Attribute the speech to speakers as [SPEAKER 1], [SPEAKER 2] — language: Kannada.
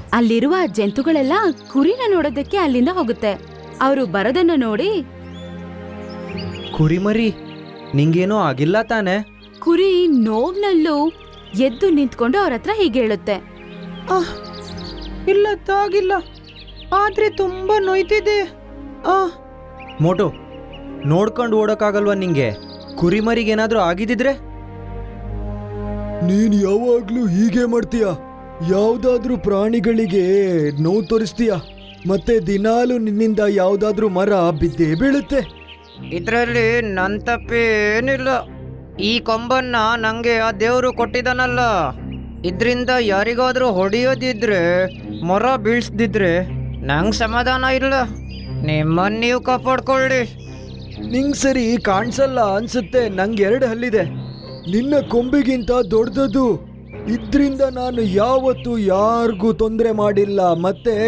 [SPEAKER 1] ಅಲ್ಲಿರುವ ಜಂತುಗಳೆಲ್ಲ ಕುರಿನ ನೋಡೋದಕ್ಕೆ ಅಲ್ಲಿಂದ ಹೋಗುತ್ತೆ. ಅವರು ಬರೋದನ್ನ ನೋಡಿ,
[SPEAKER 2] ಕುರಿಮರಿ, ನಿಂಗೇನೂ ಆಗಿಲ್ಲ ತಾನೆ?
[SPEAKER 1] ಕುರಿ ನೋವ್ನಲ್ಲೂ ಎದ್ದು ನಿಂತ್ಕೊಂಡು ಅವ್ರ ಹತ್ರ ಹೀಗೆ ಹೇಳುತ್ತೆ,
[SPEAKER 2] ಇಲ್ಲ ತಾಗಿಲ್ಲ, ಆದ್ರೆ ತುಂಬಾ ನೋಯ್ತಿದೆ. ಮೋಟು, ನೋಡ್ಕೊಂಡು ಓಡೋಕ್ಕಾಗಲ್ವಾ ನಿಂಗೆ? ಕುರಿಮರಿಗೇನಾದ್ರೂ ಆಗಿದ್ದಿದ್ರೆ?
[SPEAKER 3] ನೀನ್ ಯಾವಾಗ್ಲೂ ಹೀಗೆ ಮಾಡ್ತೀಯ. ಯಾವ್ದಾದ್ರೂ ಪ್ರಾಣಿಗಳಿಗೆ ನೋವು ತೋರಿಸ್ತೀಯ, ಮತ್ತೆ ದಿನಾಲು ನಿನ್ನಿಂದ ಯಾವ್ದಾದ್ರೂ ಮರ ಬಿದ್ದೇ ಬೀಳುತ್ತೆ.
[SPEAKER 2] ಇದರಲ್ಲಿ ನನ್ನ ತಪ್ಪೇನಿಲ್ಲ. ಈ ಕೊಂಬನ್ನ ನಂಗೆ ಆ ದೇವರು ಕೊಟ್ಟಿದ್ದಾನಲ್ಲ, ಇದರಿಂದ ಯಾರಿಗಾದ್ರೂ ಹೊಡೆಯೋದಿದ್ರೆ, ಮರ ಬೀಳ್ಸ್ದಿದ್ರೆ ನಂಗೆ ಸಮಾಧಾನ ಇಲ್ಲ. ನಿಮ್ಮನ್ನ ನೀವು ಕಾಪಾಡ್ಕೊಳ್ಳಿ.
[SPEAKER 3] ನಿಂಗ್ ಸರಿ ಕಾಣಿಸಲ್ಲ ಅನ್ಸುತ್ತೆ, ನಂಗೆ 2 ಹಲ್ಲಿದೆ. ನಿನ್ನ ಕೊಂಬಿಗಿಂತ ದೊಡ್ಡದು. ಇದ್ರಿಂದ ನಾನು ಯಾವತ್ತೂ ಯಾರಿಗೂ ತೊಂದರೆ ಮಾಡಿಲ್ಲ, ಮತ್ತೆ